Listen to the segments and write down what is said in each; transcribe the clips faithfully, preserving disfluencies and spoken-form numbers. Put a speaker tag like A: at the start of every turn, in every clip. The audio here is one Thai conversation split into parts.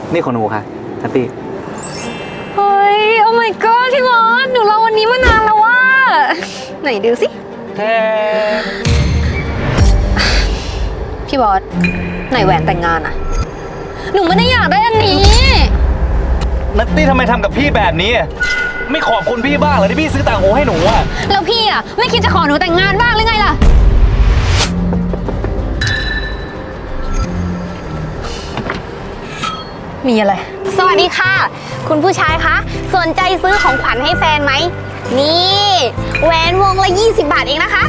A: นี่ของหนูค่ะนัตตี้
B: เฮ้ย โอ้ my god พี่บอสหนูรอวันนี้มานานแล้วว่าไหนดูสิ
A: แท้
B: พี่บอสไหนแหวนแต่งงานอะหนูไม่ได้อยากได้อันนี้
A: นัตตี้ทำไมทำกับพี่แบบนี้ไม่ขอบคุณพี่บ้างเหรอที่พี่ซื้อต่างหูให้หนูอะ
B: แล้วพี่อะไม่คิดจะขอหนูแต่งงานบ้างหรือไงล่ะมีอะไร
C: สวัสดีค่ะคุณผู้ชายคะสนใจซื้อของขวัญให้แฟนไหมนี่แหวนวงละยี่สิบบาทเองนะคะ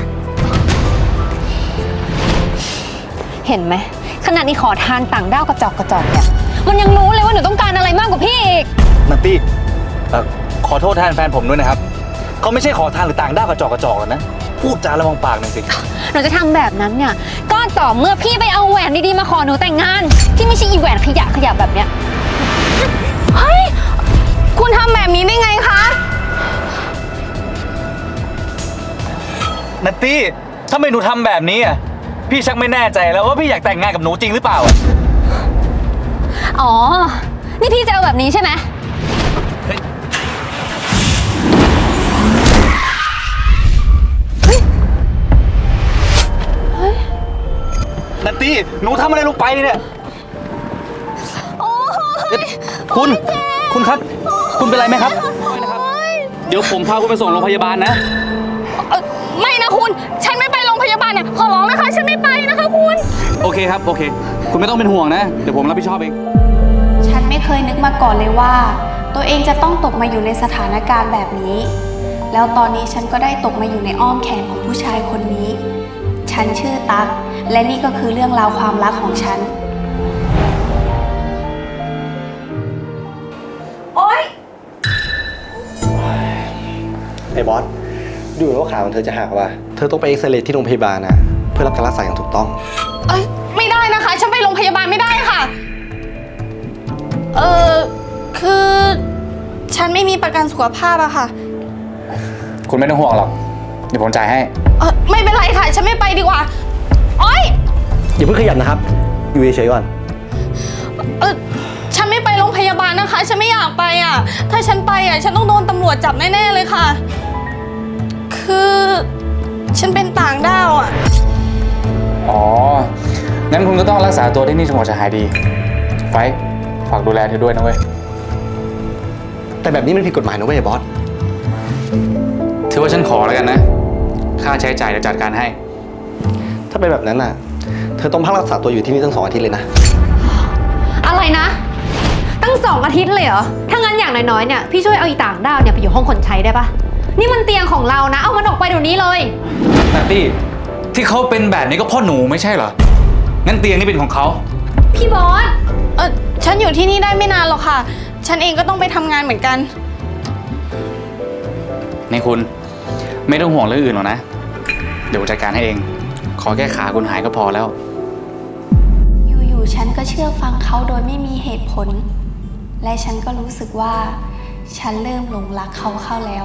B: เห็นไหมขนาดนี้ขอทานต่างด้าวกระจอกกระจอกเนี่ยมันยังรู้เลยว่าหนูต้องการอะไรมากกว่าพี่อีก
A: นัตตี้ขอโทษแทนแฟนผมด้วยนะครับเขาไม่ใช่ขอทานหรือต่างด้าวกระจอกกระจอกนะพูดจาระวังปากหน่อยสิ
B: หนูจะทำแบบนั้นเนี่ยก็ต่อเมื่อพี่ไปเอาแหวนดีๆมาขอหนูแต่งงานที่ไม่ใช่อีแหวนขยะขยะแบบเนี้ย
C: เฮ้ยคุณทำแบบนี้ได้ไงคะ
A: นัตตี้ทำไมหนูทำแบบนี้อ่ะพี่ชักไม่แน่ใจแล้วว่าพี่อยากแต่งงานกับหนูจริงหรือเปล่า
B: อ๋อนี่พี่จะเอาแบบนี้ใช่ไหม
A: นัตตี้หนูทำอะไรลงไปเนี่ยคุณคุณครับคุณเป็นไรไหมครับเดี๋ยวผมพาคุณไปส่งโรงพยาบาลนะ
C: ไม่นะคุณฉันไม่ไปโรงพยาบาลเนี่ยขอร้องนะคะฉันไม่ไปนะคะคุณ
A: โอเคครับโอเคคุณไม่ต้องเป็นห่วงนะเดี๋ยวผมรับผิดชอบเอง
D: ฉันไม่เคยนึกมาก่อนเลยว่าตัวเองจะต้องตกมาอยู่ในสถานการณ์แบบนี้แล้วตอนนี้ฉันก็ได้ตกมาอยู่ในอ้อมแขนของผู้ชายคนนี้ฉันชื่อตั๊กและนี่ก็คือเรื่องราวความรักของฉัน
C: โอ๊ย
E: ไอ้บอสดูเหมือนว่าขาของเธอจะหักว่ะเธอต้องไปเอ็กซเรย์ที่โรงพยาบาลนะเพื่อรับการรักษาอย่างถูกต้อง
C: เอ้ยไม่ได้นะคะฉันไปโรงพยาบาลไม่ได้ค่ะเออคือฉันไม่มีประกันสุขภาพอะค่ะ
A: คุณไม่ต้องห่วงหรอกเดี๋ยวผมจ่ายให้
C: เออไม่เป็นไรค่ะฉันไม่ไปดีกว่าโอ๊ย
E: อย่าเพิ่งขยับนะครับอยู่เฉยๆก่อน
C: เออฉันไม่ไปโรงพยาบาลนะคะฉันไม่อยากไปอ่ะถ้าฉันไปอ่ะฉันต้องโดนตำรวจจับแน่ๆเลยค่ะคือฉันเป็นต่างด้าวอ่ะ
A: อ๋องั้นคุณก็ต้องรักษาตัวที่นี่จนกว่าจะหายดีไฟฝากดูแลเธอด้วยนะเว้ย
E: แต่แบบนี้มันผิดกฎหมายนะเว้ยบอส
A: ถือว่าฉันขอแล้วกันนะค่าใช้จ่ายเดี๋ยวจัดการให้
E: ถ้าเป็นแบบนั้นน่ะเธอต้องพักรักษาตัวอยู่ที่นี่ตั้งสองอาทิตย์เลยนะ
B: อะไรนะตั้งสองอาทิตย์เลยเหรอถ้างั้นอย่างน้อยๆเนี่ยพี่ช่วยเอาอีต่างด้าวเนี่ยไปอยู่ห้องคนใช้ได้ปะนี่มันเตียงของเรานะเอามันออกไปเดี๋ยวนี้เลย
A: นัตตี้ที่เขาเป็นแบบนี้ก็พ่อหนูไม่ใช่เหรองั้นเตียงนี่เป็นของเขา
B: พี่บอส
C: เออฉันอยู่ที่นี่ได้ไม่นานหรอกค่ะฉันเองก็ต้องไปทำงานเหมือนกัน
A: นี่คุณไม่ต้องห่วงเรื่องอื่นหรอกนะเดี๋ยวจัดการให้เองขอแค่ขาคุณหายก็พอแล้ว
D: อยู่ๆฉันก็เชื่อฟังเขาโดยไม่มีเหตุผลและฉันก็รู้สึกว่าฉันเริ่มหลงรักเขาเข้าแล้ว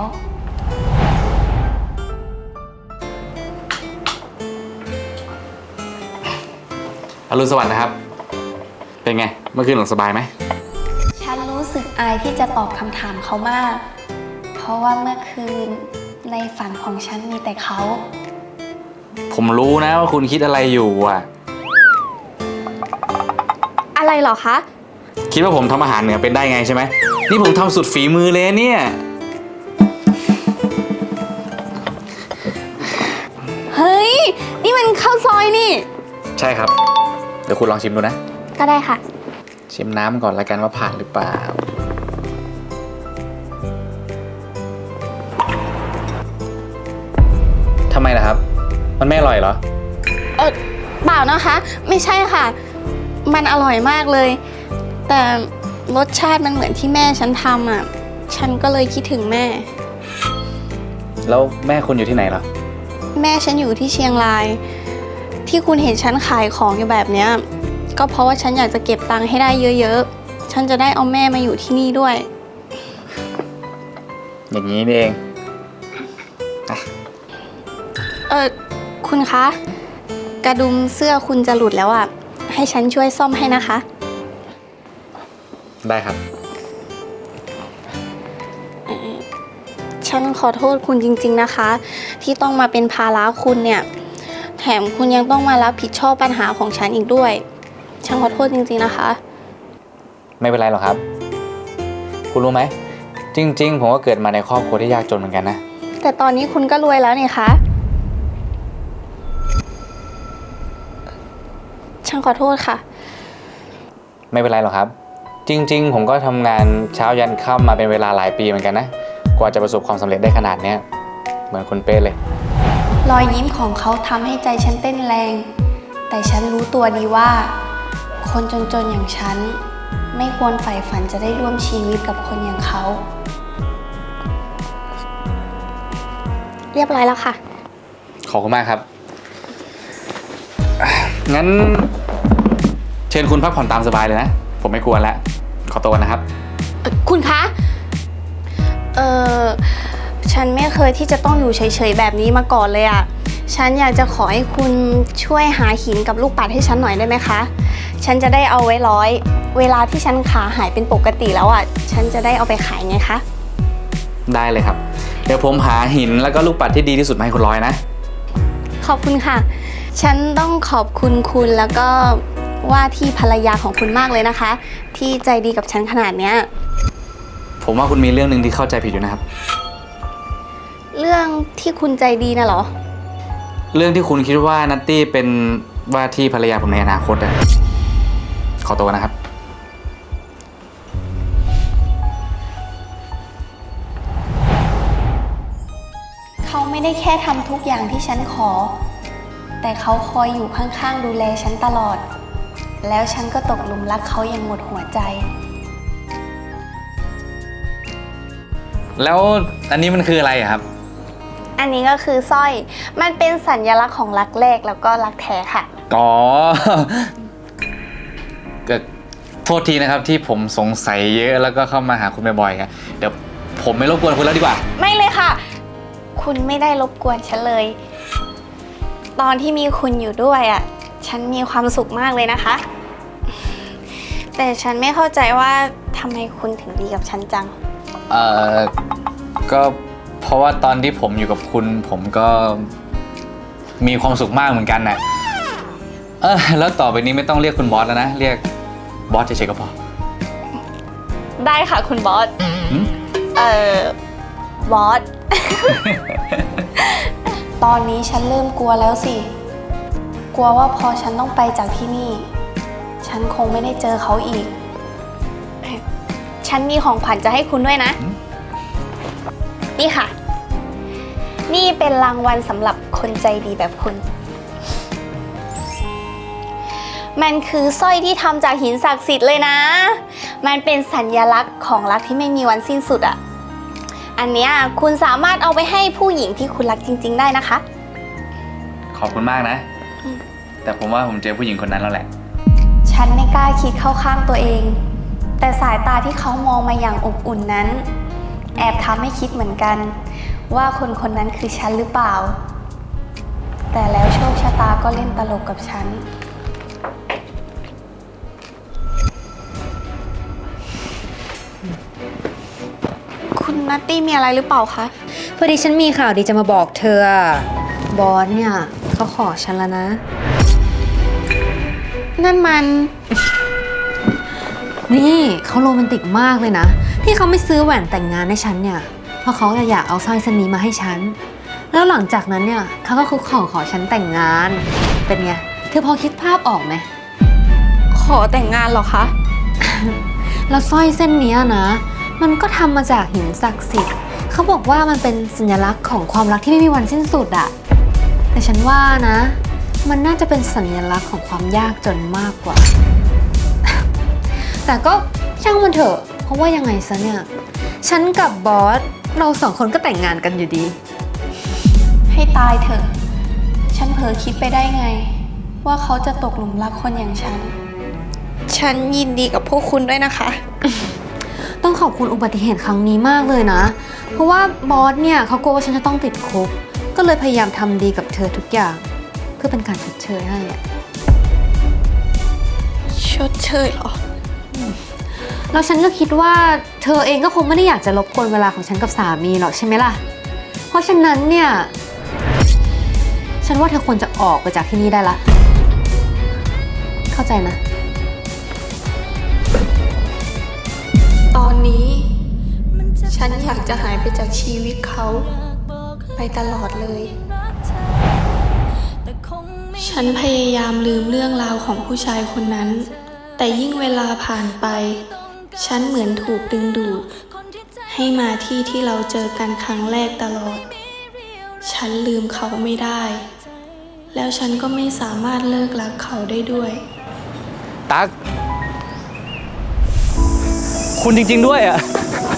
A: อรุณสวัสดิ์นะครับเป็นไงเมื่อคืนหลับสบายไหม
D: ฉันรู้สึกอายที่จะตอบคำถามเขามากเพราะว่าเมื่อคืนในฝันของฉันมีแต่เขา
A: ผมรู้นะว่าคุณคิดอะไรอยู่อ่ะ
C: อะไรเหรอคะ
A: คิดว่าผมทำอาหารเหนือเป็นได้ไงใช่ไหมนี่ผมทำสุดฝีมือเลยเนี่ย
C: เฮ้ยนี่มันข้าวซอยนี่
A: ใช่ครับเดี๋ยวคุณลองชิมดูนะ
C: ก็ได้ค่ะ
A: ชิมน้ำก่อนละกันว่าผ่านหรือเปล่าทำไมล่ะครับมันไม่อร่อยเหรอ
C: เออเปล่านะคะไม่ใช่ค่ะมันอร่อยมากเลยแต่รสชาติมันเหมือนที่แม่ฉันทำอ่ะฉันก็เลยคิดถึงแม่
A: แล้วแม่คุณอยู่ที่ไหนล่ะ
C: แม่ฉันอยู่ที่เชียงรายที่คุณเห็นฉันขายของอยู่แบบเนี้ยก็เพราะว่าฉันอยากจะเก็บตังค์ให้ได้เยอะๆฉันจะได้เอาแม่มาอยู่ที่นี่ด้วย
A: อย่างนี้นี่เอง
C: เออคุณคะกระดุมเสื้อคุณจะหลุดแล้วอ่ะให้ฉันช่วยซ่อมให้นะคะ
A: ได้ครับ
C: ฉันขอโทษคุณจริงๆนะคะ ที่ต้องมาเป็นภาระคุณเนี่ย แถมคุณยังต้องมารับผิดชอบปัญหาของฉันอีกด้วย ฉันขอโทษจริงๆนะคะ
A: ไม่เป็นไรหรอกครับ คุณรู้ไหม จริง ๆ ผมก็เกิดมาในครอบครัวที่ยากจนเหมือนกันนะ
C: แต่ตอนนี้คุณก็รวยแล้วนี่คะ ฉันขอโทษค่ะ
A: ไม่เป็นไรหรอกครับ จริง ๆ ผมก็ทำงานเช้ายันค่ำมาเป็นเวลาหลายปีเหมือนกันนะ กว่าจะประสบความสำเร็จได้ขนาดเนี้ยเหมือนคุณเป้เลย
D: รอยยิ้มของเขาทำให้ใจฉันเต้นแรง แต่ฉันรู้ตัวดีว่า คนจนๆอย่างฉัน ไม่ควรใฝ่ฝันจะได้ร่วมชีวิตกับคนอย่างเขา
C: เรียบร้อยแล้วค่ะ
A: ขอบคุณมากครับ งั้น เชิญคุณพักผ่อนตามสบายเลยนะ ผมไม่กวนแล้ว ขอตัวนะครับ
C: คุณคะ เออฉันไม่เคยที่จะต้องอยู่เฉยๆแบบนี้มาก่อนเลยอะฉันอยากจะขอให้คุณช่วยหาหินกับลูกปัดให้ฉันหน่อยได้ไหมคะ ฉันจะได้เอาไว้ร้อย เวลาที่ฉันขาหายเป็นปกติแล้วอะฉันจะได้เอาไปขายไงคะ
A: ได้เลยครับ เดี๋ยวผมหาหินแล้วก็ลูกปัดที่ดีที่สุดมาให้คุณร้อยนะ
C: ขอบคุณค่ะ ฉันต้องขอบคุณคุณแล้วก็ว่าที่ภรรยาของคุณมากเลยนะคะ ที่ใจดีกับฉันขนาดเนี้ย
A: ผมว่าคุณมีเรื่องหนึ่งที่เข้าใจผิดอยู่นะครับ
C: เรื่องที่คุณใจดีน่ะเหรอ
A: เรื่องที่คุณคิดว่านัตตี้เป็นว่าที่ภรรยาผมในอนาคตอะขอตัวนะครับ
D: เขาไม่ได้แค่ทำทุกอย่างที่ฉันขอ แต่เขาคอยอยู่ข้างๆดูแลฉันตลอด แล้วฉันก็ตกหลุมรักเขาอย่างหมดหัวใจ
A: แล้วอันนี้มันคืออะไรอะครับ
C: อันนี้ก็คือสร้อย มันเป็นสัญลักษณ์ของรักแรกแล้วก็รักแท้ค่ะ
A: อ๋อ ก็โทษทีนะครับที่ผมสงสัยเยอะแล้วก็เข้ามาหาคุณบ่อยๆอะเดี๋ยวผมไม่รบกวนคุณแล้วดีกว่า
C: ไม่เลยค่ะ คุณไม่ได้รบกวนฉันเลย ตอนที่มีคุณอยู่ด้วยอ่ะ ฉันมีความสุขมากเลยนะคะ แต่ฉันไม่เข้าใจว่าทำไมคุณถึงดีกับฉันจัง
A: เอ่อ ก็เพราะว่าตอนที่ผมอยู่กับคุณ ผมก็มีความสุขมากเหมือนกันน่ะ เออแล้วต่อไปนี้ไม่ต้องเรียกคุณบอสแล้วนะ เรียกบอสเฉยๆก็พอ
C: ได้ค่ะคุณบอส
A: หืม
C: เอ่อ บอส
D: ตอนนี้ฉันเริ่มกลัวแล้วสิ กลัวว่าพอฉันต้องไปจากที่นี่ ฉันคงไม่ได้เจอเขาอีก
C: ฉันมีของขวัญจะให้คุณด้วยนะ นี่ค่ะ นี่เป็นรางวัลสำหรับคนใจดีแบบคุณ มันคือสร้อยที่ทำจากหินศักดิ์สิทธิ์เลยนะ มันเป็นสัญลักษณ์ของรักที่ไม่มีวันสิ้นสุดอ่ะ อันเนี้ยคุณสามารถเอาไปให้ผู้หญิงที่คุณรักจริงๆได้นะคะ
A: ขอบคุณมากนะ แต่ผมว่าผมเจอผู้หญิงคนนั้นแล้วแหละ
D: ฉันไม่กล้าคิดเข้าข้างตัวเอง แต่สายตาที่เขามองมาอย่างอบอุ่นนั้น แอบทำให้คิดเหมือนกัน ว่าคนคนนั้นคือฉันหรือเปล่า แต่แล้วโชคชะตาก็เล่นตลกกับฉัน
C: คุณนัตตี้มีอะไรหรือเปล่าคะ
B: พอดีฉันมีข่าวดีจะมาบอกเธออะบอสเนี่ยเขาขอฉันแล้วนะ
C: นั่นมัน
B: นี่เขาโรแมนติกมากเลยนะ ที่เขาไม่ซื้อแหวนแต่งงานให้ฉันเนี่ย เพราะเขาอยากเอาสร้อยเส้นนี้มาให้ฉัน แล้วหลังจากนั้นเนี่ยเขาก็คุกเข่าขอฉันแต่งงาน เป็นไง เธอพอคิดภาพออกไหม
C: ขอแต่งงานเหรอคะ
B: แล้วสร้อยเส้นเนี้ยนะ มันก็ทำมาจากหินศักดิ์สิทธิ์ เขาบอกว่ามันเป็นสัญลักษณ์ของความรักที่ไม่มีวันสิ้นสุดอะแต่ฉันว่านะ มันน่าจะเป็นสัญลักษณ์ของความยากจนมากกว่า แต่ก็ช่างมันเถอะ เพราะว่ายังไงซะเนี่ย ฉันกับบอส เราสองคนก็แต่งงานกันอยู่ดี
D: ให้ตายเถอะ ฉันเผลอคิดไปได้ไง ว่าเขาจะตกหลุมรักคนอย่างฉัน
C: ฉันยินดีกับพวกคุณด้วยนะคะ
B: ต้องขอบคุณอุบัติเหตุครั้งนี้มากเลยนะ เพราะว่าบอสเนี่ยเขากลัวว่าฉันจะต้องติดคุก ก็เลยพยายามทำดีกับเธอทุกอย่าง เพื่อเป็นการชดเชยให้อะ
C: ชดเชยเหรอ
B: แล้วฉันก็คิดว่าเธอเองก็คงไม่ได้อยากจะรบกวนเวลาของฉันกับสามีหรอกใช่ไหมล่ะ เพราะฉะนั้นเนี่ย ฉันว่าเธอควรจะออกไปจากที่นี่ได้ละ เข้าใจนะ
D: ตอนนี้ ฉันอยากจะหายไปจากชีวิตเขา ไปตลอดเลย ฉันพยายามลืมเรื่องราวของผู้ชายคนนั้น แต่ยิ่งเวลาผ่านไป ฉันเหมือนถูกดึงดูด ให้มาที่ที่เราเจอกันครั้งแรกตลอด ฉันลืมเขาไม่ได้ แล้วฉันก็ไม่สามารถเลิกรักเขาได้ด้วย
A: ตั๊ก คุณจริงๆด้วยอ่ะ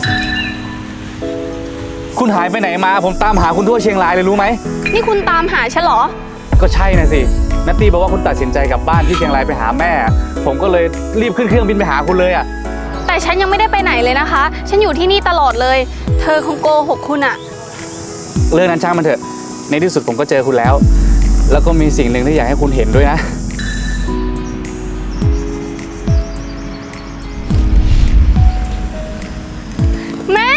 A: คุณหายไปไหนมา ผมตามหาคุณทั่วเชียงรายเลยรู้ไหม
C: นี่คุณตามหาฉันเหรอ
A: ก็ใช่นะสินัตตี้บอกว่าคุณตัดสินใจกลับบ้านที่เชียงรายไปหาแม่ ผมก็เลยรีบขึ้นเครื่องบินไปหาคุณเลยอ่ะ
C: แต่ฉันยังไม่ได้ไปไหนเลยนะคะ ฉันอยู่ที่นี่ตลอดเลย เธอคงโกหกคุณอะ
A: เรื่องนั้นช่างมันเถอะ ในที่สุดผมก็เจอคุณแล้ว แล้วก็มีสิ่งหนึ่งที่อยากให้คุณเห็นด้วยนะ
C: แม่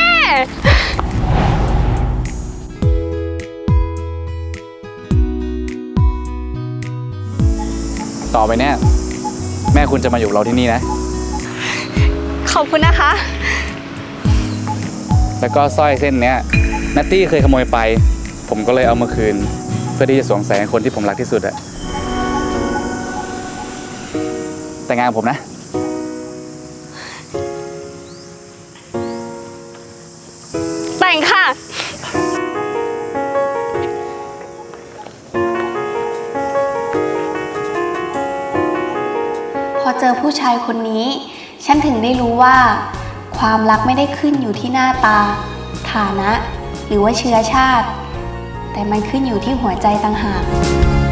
A: ต่อไปเนี่ยแม่คุณจะมาอยู่กับเราที่นี่นะ
C: ขอบคุณนะคะ
A: แล้วก็สร้อยเส้นเนี้ยนัตตี้เคยขโมยไป ผมก็เลยเอามาคืน เพื่อที่จะสวมใส่ให้คนที่ผมรักที่สุดอะแต่งงานกับผมนะ
C: แต่งค่ะ
D: พอเจอผู้ชายคนนี้ ฉันถึงได้รู้ว่า ความรักไม่ได้ขึ้นอยู่ที่หน้าตา ฐานะ หรือว่าเชื้อชาติ แต่มันขึ้นอยู่ที่หัวใจต่างหาก